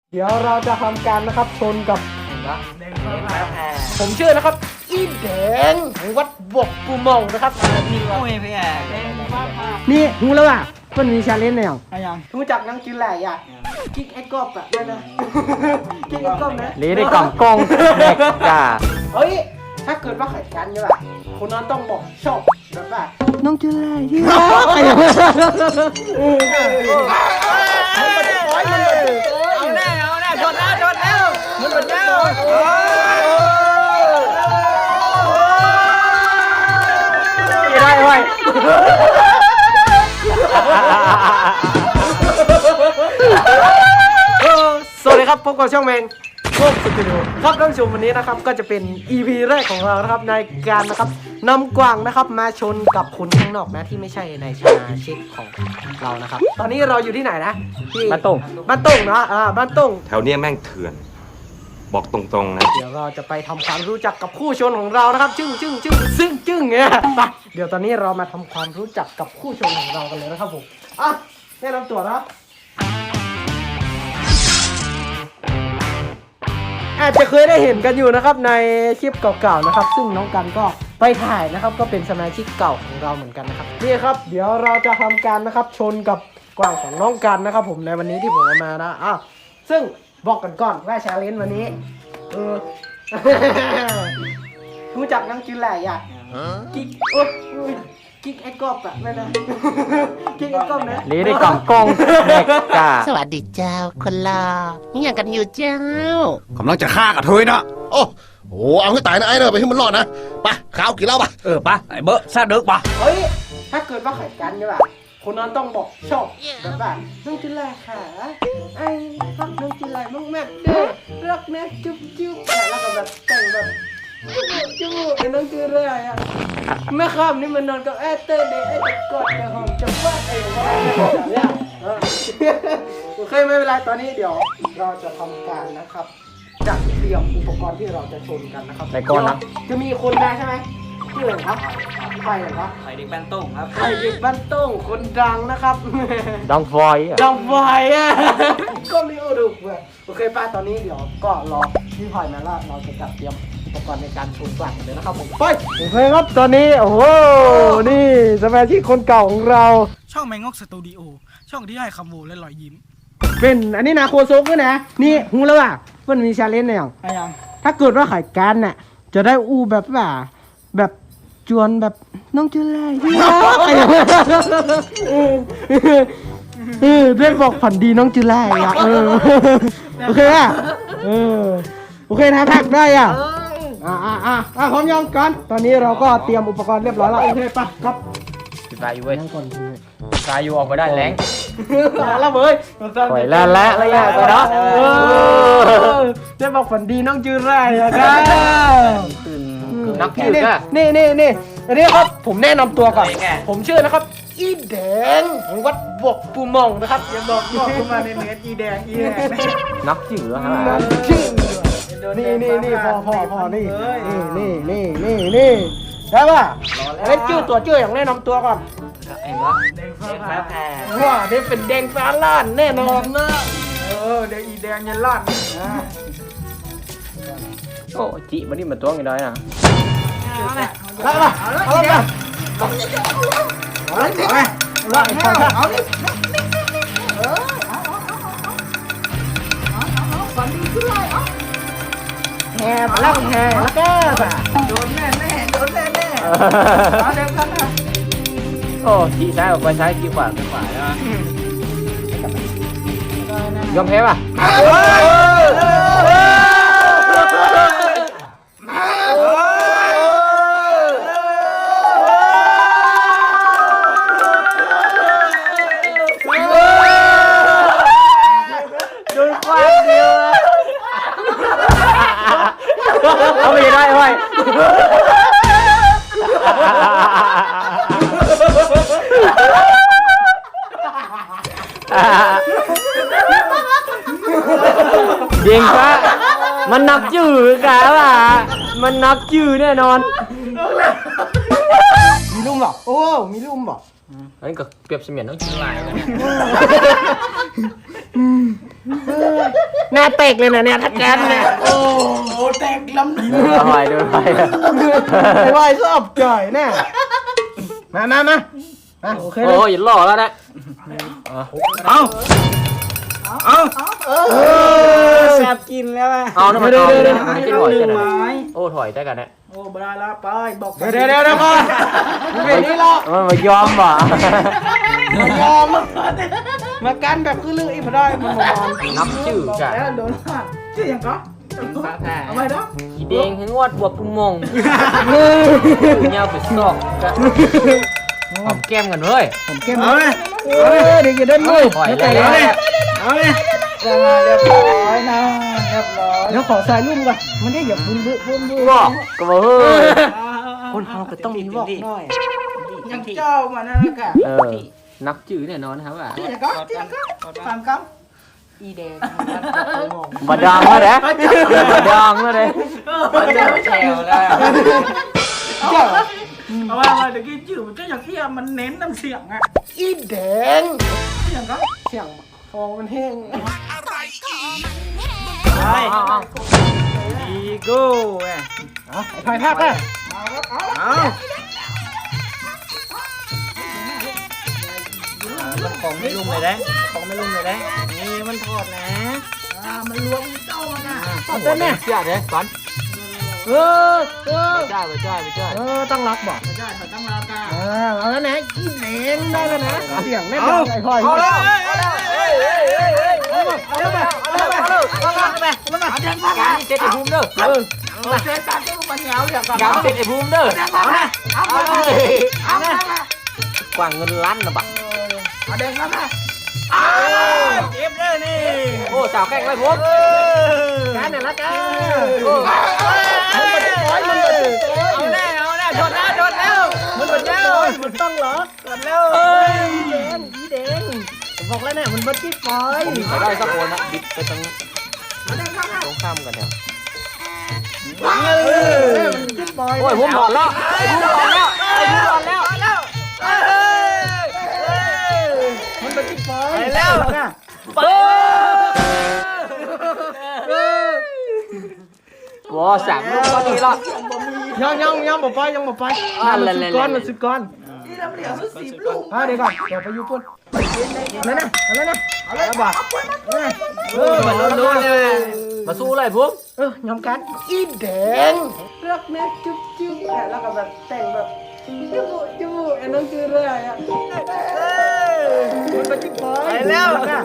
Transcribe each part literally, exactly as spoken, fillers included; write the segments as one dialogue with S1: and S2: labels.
S1: เดี๋ยวเราจะทำการนะครับชนกับผมชื่อนะครับอีแดงวัดบกปูมองนะครับนี่หูแล้วอ่ะมันมีชาเลนจ์แนวรู้จักนังกินแหล่อ่ะกิ๊กไอ้กอบอ่ะนั่นนะกิ๊กไอ้กอบนะ
S2: ลีได้กล่องกงแม็กกา
S1: เฮ้ยถ้าเกิดว่าไข่กันใช่ป่ะคนนั้นต้องบอกชอบแบบว่าน้องกินแหล่ที่รัก
S2: เอาแน่เอาแน่ชนแล้วชนแล้วมันเป็นแล้วได้ไว้
S1: สวัสดีครับพบกับช่องแมงโคกสตูดิโอครับท่านผู้ชมวันนี้นะครับก็จะเป็น อี พี แรกของเรานะครับในการนะครับนำกวางนะครับมาชนกับคนข้างนอกนะที่ไม่ใช่ในสมาชิกของเรานะครับตอนนี้เราอยู่ที่ไหนนะที่
S2: บ้านตุ่ง
S1: บ้านตุ่งเนาะอ่าบ้านตุ่ง
S3: แถวเนี้ยแม่งเถื่อน บอกตรงๆนะ
S1: เดี๋ยวเราจะไปทำความรู้จักกับคู่ชนของเรานะครับจึ้งจึ้งจึ้งซึ่งจึ้งเนี่ยไปเดี๋ยวตอนนี้เรามาทำความรู้จักกับคู่ชนของเรากันเลยนะครับผมอ่ะแนะนำตัวนะอาจจะเคยได้เห็นกันอยู่นะครับในคลิปเก่าๆนะครับซึ่งน้องกันก็ไปถ่ายนะครับก็เป็นสมาชิกเก่าของเราเหมือนกันนะครับนี่ครับเดี๋ยวเราจะทำการนะครับชนกับกวางของน้องกันนะครับผมในวันนี้ที่ผมเอามานะอ่ะซึ่งบอกกันก่อนว่าชาเลนจ์วันนี้เออ รู้จักนังกินแหล่อ่ะกิ๊กโอ๊ยกิ๊กไอ้กอบอ่ะนั่นนะกิ๊กไอ้กอบนะ
S2: ลีได้กล่องกงแม็กกา
S4: สวัสดีเจ้าคนลานี่อย่างกันอยู่เจ้าก
S5: ำลังจะฆ่ากับเธอนะโอ้โหเอาให้ตายนะไอ้เนอะไปให้มันรอดนะไปข้าวกินเหล้าปะ
S2: เออปะไอ้เบอร์ซาเด็กปะ
S1: เฮ้ยถ้าเกิดว่าไข่กันใช่ป่ะคนนั้นต้องบอกชอบแบบว่าน้องกินแหล่ค่ะไอ้รักน้องกินแหล่มากแม่เด้อรักนะจุ๊บจุ๊บแล้วก็แบบแต่งแบบจุ๊บไอ้น้องกินแหล่อ่ะแม่ข้ามนี่มันนอนกับแอเตอร์เดย์ไอ้จะกอดจะหอมจะฟาดไอ้ว่าเนี่ยโอเคไม่เป็นไรตอนนี้เดี๋ยวเราจะทำการนะครับจัดเตรียมอุปกรณ์ที่เราจะชนกันนะครับ
S2: ในก้อนนะ
S1: จะมีคนได้ใช่ไหมชื่ออะไรครับใครเหรอครับ
S2: ไข่เด็กแป้นต้งครับ
S1: ใครเด็กบ้านโต้งคนดังนะครับ
S2: ดองฟอยอ่ะ
S1: ดังไฟอ่ะ ก็ไม่รู้ดูเว้ยโอเคป้าตอนนี้เดี๋ยวก็รอพี่พลอยมาแล้วเราจะจัดเตรียมอุปกรณ์ในการชนกลั่นเลยนะครับผมไปโอเคครับตอนนี้โอ้โหนี่สมาชิกคนเก่าของเรา
S6: ช่องแมงงกสตูดิโอช่องที่ให้คำโหวและรอยยิ้ม
S1: เป็นอันนี้นะโคซกด้วยนะนี่หูแล้วอ่ะมันมีชาเลนจ์อย่าง
S6: อะไรยัง
S1: ถ้าเกิดว่าไข่กันน่ะจะได้อู้แบบว่าแบบจวนแบบน้องจุฬาที่รักเออได้บอกฝันดีน้องจุฬาอ่ะเออโอเคอ่ะเออโอเคนะทักได้อ่ะอ่าอ่าอ่าอ่าพร้อมยังกันตอนนี้เราก็เตรียมอุปกรณ์เรียบร้อยแล้วโอเคปะครับ
S2: ปิดไฟอยู่เว้ย
S1: นั่งก่อนพี่
S2: ไฟอยู่ออกมาได้แรง
S1: แล้วเว้ย
S2: ปล่อยแล้วและอะไรอย่างเงี้ยเนาะ
S1: ได้บอกฝันดีน้องจุฬาอ่ะครับ
S2: นักถืออ่ะ
S1: นี่นี่นี่อันนี้ครับผมแนะนำตัวก่อนผมชื่อนะครับอีแดงวัดบกปูมองนะครับอย่าบอกบอกขึ้นมาในเน็ตอีแดงอีแดง
S2: นักถือฮะ
S1: ชื่อนี่นี่นี่พอพอพอนี่นี่นี่นี่นี่ได้ป่ะอันนี้ชื่อตัวชื่ออย่างแนะนำตัวก่อน
S2: ไอ้เบอร์แดงฟ้าแผ่
S1: ว่านี่เป็นแดงฟ้าล้านแน่นอนนะ
S6: เออแดงอีแดงยันลั่น
S2: โอ้จิมันนี่มันตัวกี่ได้อ่ะ
S1: แล้วป่ะเอาแล้วป่ะเอาเลยเอาเลยเอาเลยแห่มาแล้วแห่แล้วก็แบบ
S6: โดนแน่แน่โดนแน่แน่เอาเดี๋ยวกันนะ
S2: โอ้จีซ้ายออกไปซ้ายจีขวาไปขวาใช่ไหมยอมแพ้ป่ะ
S1: โดนควายเดียว
S2: เอาไปได้ไว้เด้งฟ้ามันนักจืดกะว่ะมันนักจืดแน่นอน
S1: มีลุ่มหรอโอ้มีลุ่มหรอ
S2: อันนี้ก็เปรียบเสมือนน้องชิงลายเลย
S1: หน้าเตกเลยนะเนี่ยทัดแกนเนี่ยโอ้
S6: โอ้แตกลำ
S2: เดินไปเดินไป
S1: ไม่ไหวชอบจ่อยแน่มามามามาโอเคเล
S2: โอ้
S1: ย
S2: ยหล่อแล้วนะ
S6: เอาเอา
S1: เออ
S6: แซ่บกินแล้วอ่ะ
S2: เอาน้ำมันเอาเลยนะไม่ใช่ถอย
S6: ห
S2: กั
S6: นึ่
S2: น
S6: ง
S2: นะ
S6: ไม้
S2: โอ้ถอยได้กันนะ
S6: โอ้บราละไปบอก
S1: เดี๋ยวเดี๋ยวเดี๋ยวก่อนมันเป็นนี่หรอก
S2: มันมายอมว่ะ
S1: มายอมมากันแบบคือลืออีพอได้มันมายอม
S2: นับชื่อกัน
S6: แล้วโดนว่าชื่ออย่างก็เอาไปเนาะ
S2: ขีแดงให้งวดบวบปุมงเงาไปซอกกันหอมแก้มกันเว้ย
S1: ผมเก็บ
S6: เอาเลย
S1: เออเดี๋ยวจะได้มือ
S2: ถอย
S1: เดี๋ยว
S2: แล้
S1: แต่
S2: ว
S1: เลย
S6: เอาเลยได้มาเรียบร้อยนะเรียบร้อย
S1: เดี๋ยวขอใส่รุ่มก่อนมันได้อย่าฟุ้นบื้อฟุ้นบื้อ
S2: บอกก็บอกเฮ้ย
S1: คนเราก็ต้องมีบอกหน่อย
S6: ยังเจ้ามานั่นนะค่ะ
S2: เออนับชื่อแน่นอนนะครับว่า
S6: ชื่ออย่างก็ชื่ออย่างก็ฟังคำอีแดง
S2: บดองแล้วเด้บดองแล้วเด้
S6: มันจะแฉวแล้ว
S1: เจ้า
S6: เอาว่ามาเดี๋ยวกี้จืดมันก็อย่างที่มันเน้นน้ำเสียงอ่ะ
S1: อีแดง
S6: ชื่ออย่างก็
S1: เสียงคอมันแห้ง
S6: ไปอีโก้ไง
S1: เอาไอ้พายภาคเลย
S6: เอามันของไม่ลุ่มเลยได้ของไม่ลุ่มเลยได้นี่มันถอดนะอ่ามันล้วงเจ้ามันอ่ะ
S1: ตัดได้ไหม
S2: เชื่อเด้ก่อน
S1: เออเออ
S2: ไปจ้าไปจ้าไปจ้า
S1: เออต้องรักบอก
S6: ไม่ได้เขาต้องรับกัน
S1: เออเอาแล้วนะอีแดงได้แล้วนะเสียงแน่นอนไอ้พาย
S6: เอาแล้วเอาแล้วเฮ้ยเฮ้ยเฮ้ยเฮ้ยเอาแล้วเอาแล้วเอาแล้วเอาแล้วเอาแล้วเอาแล้วเอาแล้วเอาเดินมา
S2: การนี่เจ็ดไอ้ภูมิเด้อ
S1: เออ
S6: เอาเดินตามเจ้ามันเหนียวเดี๋ยวก่อน
S2: การเจ็ดไอ้ภูมิเด้อ
S6: เอาละเอาละเอาละ
S2: กว่างเงินล้านนะบัก
S6: เอาเดินมาละอ้เจ็บเลยนี่
S2: โอ้สาวแกล้งไรผม
S1: การเนี่ยละกัน
S2: โอ้
S1: มันมันจะร้อยมันมันจะร้อย
S6: เอาแน่เอาแน่ชนแล้วชนแล้ว
S1: มันมันจะร้อยมันต้องล็อก
S6: ชนแล้ว
S1: เอ้ยอีแดงอีแดงผมบอกแล้วเนี่ยมันมันจิ๊บปอย
S2: ผมมีใครได้สักคนนะบิดไปตรงตรงข้ามกันเนี่ย
S1: เออมันจิ๊บปอย
S2: โอ้ยผมบอกแล้วไอ้ภูมิบอกแล้วไอ้ภูมิบอกแล้ว
S6: แล้วเฮ้ย
S1: มันมันจิ๊บปอย
S6: ไปแล้วนะ
S2: ว้าสามลูกก็ดีละ
S1: ยังยังยังบอกไปยังบอกไป
S2: อ่า
S1: มัน
S2: เล่
S1: สิ
S2: น
S1: บ
S2: ๆๆ
S1: ก้อนมันสิบก้อน
S6: นี่เราเหลือสิบลูก
S1: อ่าเดี๋ยวก่อนเดี๋ยวไปยูปุ่นนั่นน่ะนั่นน่ะ
S6: เอาเลยบ่
S1: เออ
S2: เออมันโดนเลยมาสู้เลยภูมิ
S1: เออยอมกันอีแดงรักแม่จุ๊บจุ๊บแล้วก็แบบแต่งแบบจุ๊บจุ๊บไอ้น้องจืดเลยอ่ะมันเป็นจิ๊บปอย
S6: ไปแล้ว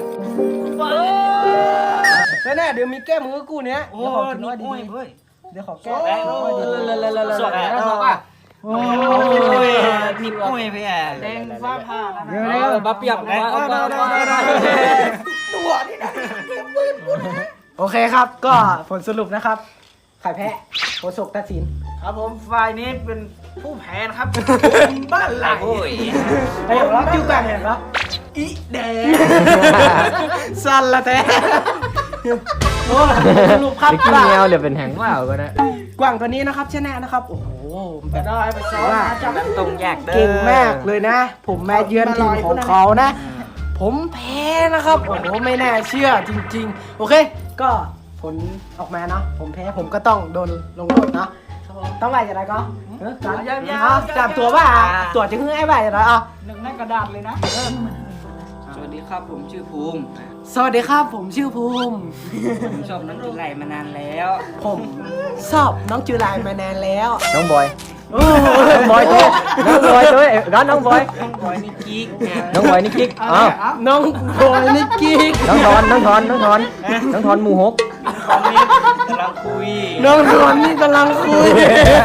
S1: แน่ๆเดี๋ยวมีแก้มือกูเนี้ย
S6: โอ้
S1: เดี๋ยวขอกิน
S6: นี่
S1: น้อย
S6: โอ้ย
S1: ดี
S6: เฮ้ย
S1: ๆเดี๋ยวขอแก้
S6: โอ้ย
S1: น้อยดีๆ
S2: สอกอ่ะสอกอ่ะ
S1: โอ้
S6: โอ้
S1: ย
S6: ยนี่โอ้ยพี่แอ่แดงฟ้าผ่า
S1: เดี๋ยว
S2: เอ
S1: เดี๋ยว
S2: อมาเปียกมา
S6: เอา
S2: เอา
S6: ได้
S2: มา
S6: ได้ได้ตัวนี่นะ
S1: โอเคครับก็ผลสรุปนะครับใครแพ้โคศกตัดสิน
S6: ครับผมฝ่ายนี้เป็นผู้แพ้นะครับบ้านไหล
S1: ไอ้อย่างรักจิ้วกันเห็นปะ
S6: อีแดง
S1: สั่นละแท้โอ้สรุปครับ
S2: ไปกินแมวเดี๋ยวเป็นแหงว่าวก็ได้
S1: กว่างตัวนี้นะครับชนะนะครับโอ้โหแบบ
S6: ได้ไปซ้อมนะจับตรงแยกเด้อ
S1: เก่งมากเลยนะ ผมแม่เยือนทีมของเขานะ ผมแพ้นะครับโอ้โหไม่น่าเชื่อจริง ๆ โอเค ก็ผลออกมาเนาะผมแพ้ผมก็ต้องโดนลงโทษเนาะต้องไหวจะไรก็เออจับจับตัวว่าตัวจะขึ้นไอ้ไหวจะไรอ่ะ
S6: หนึ่งในกระดาษเลยนะ สวัสดีครับผมชื่อภูมิ
S1: สวัสดีครับผมชื่อภูมิ
S6: ผมชอบน้องกินไหลมานานแล้ว
S1: ผมชอบน้องจูไลมานานแล้ว
S2: น้องบอย
S1: โอ้
S2: น้องบอยตัวน้องบอยตัวร้านน้องบอย
S6: น้องบอยนี่กิ๊ก
S2: น้องบอยนี่กิ๊กอ้าว
S1: น้องบอยนิกกี้
S2: น้องทอนน้องทอนน้องทอนน้องทอนหมูหก
S6: ตอนนี้กำลังคุย
S1: น้องทอนนี่กำลังคุย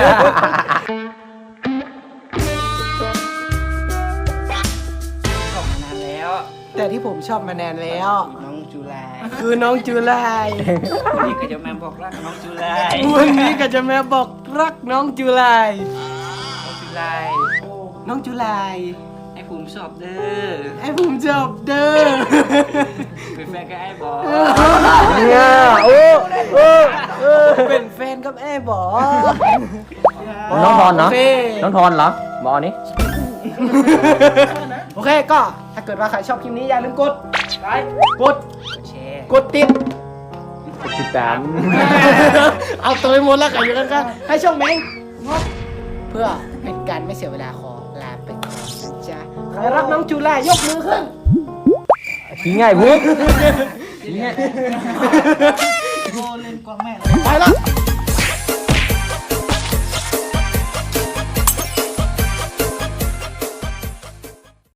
S6: ชอบมานานแล้ว
S1: แต่ที่ผมชอบมานานแล้ว
S6: น้องจุฬา
S1: คือน้องจูไล
S6: นี่ก็จะแม่บอกรักน้องจุฬา
S1: วันนี้ก็จะมาบอกรักน้องจูไล
S6: น้องจุฬา
S1: น้องจูไล
S6: ให้ภูมิชอบเด้อ
S1: ไอ้ผมชอบเด้อ
S6: เป็นแฟนกับไอ้บอ
S2: เนี่ยโอ้โอ้โอ้
S1: เป็นแฟนกับไอ้บอ
S2: น้องทอนเนาะ
S1: โอเค
S2: น้องทอนเหรอบอกอันนี้
S1: โอเคก็ถ้าเกิดกิดว่าใครชอบคลิปนี้อย่าลืมกดไลค์กด
S6: แชร์
S1: กดติด
S2: ติดตาม
S1: เอาตัวไปหมดแล้วกันอยู่กันกันให้ช่องแมงงดเพื่อเป็นการไม่เสียเวลาขอลาไปก่อนนะจ๊ะใครรักน้องจูล่ายกมือขึ้น
S2: ขี้ง่ายบุ๊ก
S6: โอ้เล่นกว้างแม่
S1: ไปแล้ว